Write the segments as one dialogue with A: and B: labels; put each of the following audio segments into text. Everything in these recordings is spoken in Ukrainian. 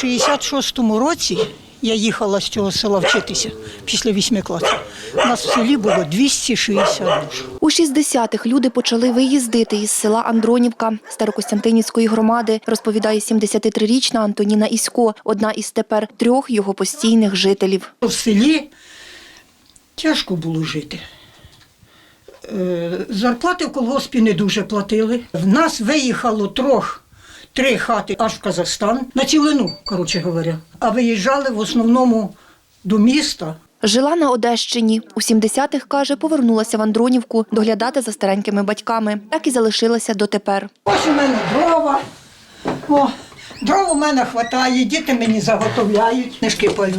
A: 66-му році я їхала з цього села вчитися після 8 класів. У нас в селі було 260 душ.
B: У 60-х люди почали виїздити із села Андронівка Старокостянтинівської громади, розповідає 73-річна Антоніна Ісько, одна із тепер 3 його постійних жителів.
A: В селі тяжко було жити. Зарплати в колгоспі не дуже платили. В нас виїхало 3 хати аж в Казахстан, на цілину, коротше говоря. А виїжджали в основному до міста.
B: Жила на Одещині. У 70-х, каже, повернулася в Андронівку доглядати за старенькими батьками. Так і залишилася дотепер.
A: Ось у мене дрова. О, дров у мене вистачає, діти мені заготовляють. Книжки палю.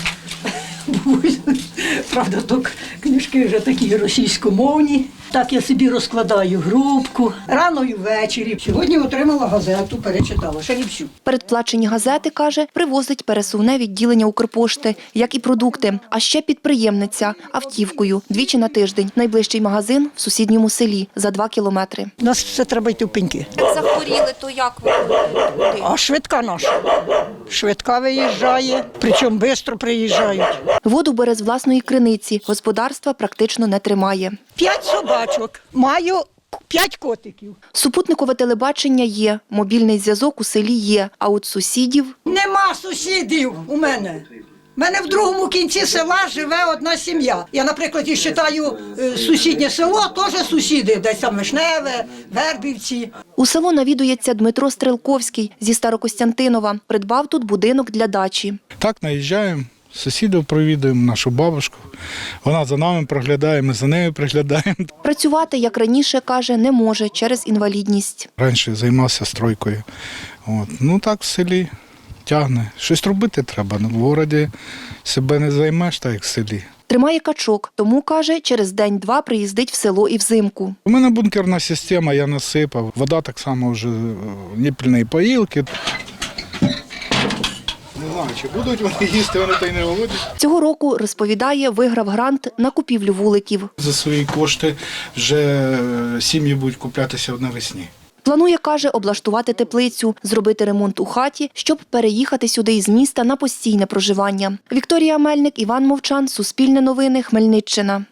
A: Правда, то книжки вже такі російськомовні. Так я собі розкладаю грубку. Рано і ввечері. Сьогодні отримала газету, перечитала, ще не всю.
B: Передплачені газети, каже, привозить пересувне відділення Укрпошти, як і продукти. А ще підприємниця автівкою 2 на тиждень. Найближчий магазин в сусідньому селі за 2 кілометри.
A: У нас все треба йти в пеньки.
B: Як захворіли, то як ви?
A: А швидка наша. Швидка виїжджає, причому швидко приїжджають.
B: Воду бере з власної криниці. Господарства практично не тримає.
A: 5 собачок. Маю 5 котиків.
B: Супутникове телебачення є, мобільний зв'язок у селі є, а от сусідів...
A: Нема сусідів у мене. У мене в другому кінці села живе одна сім'я. Я, наприклад, і вважаю сусіднє село, теж сусіди, десь там Вишневе, Вербівці.
B: У село навідується Дмитро Стрелковський зі Старокостянтинова. Придбав тут будинок для дачі.
C: Так, наїжджаємо, сусідів провідуємо, нашу бабушку. Вона за нами приглядає, ми за нею приглядаємо.
B: Працювати, як раніше, каже, не може через інвалідність.
C: Раніше займався стройкою. Ну так в селі тягне. Щось робити треба. В місті себе не займеш, так як в селі.
B: Тримає качок, тому, каже, через день-два приїздить в село і взимку.
C: У мене бункерна система, я насипав. Вода так само вже ніпільної поїлки. Не знаю, чи будуть вони їсти, вони то й не голодні.
B: Цього року, розповідає, виграв грант на купівлю вуликів.
C: За свої кошти вже сім'ї будуть куплятися навесні.
B: Планує, каже, облаштувати теплицю, зробити ремонт у хаті, щоб переїхати сюди із міста на постійне проживання. Вікторія Мельник, Іван Мовчан, Суспільне новини, Хмельниччина.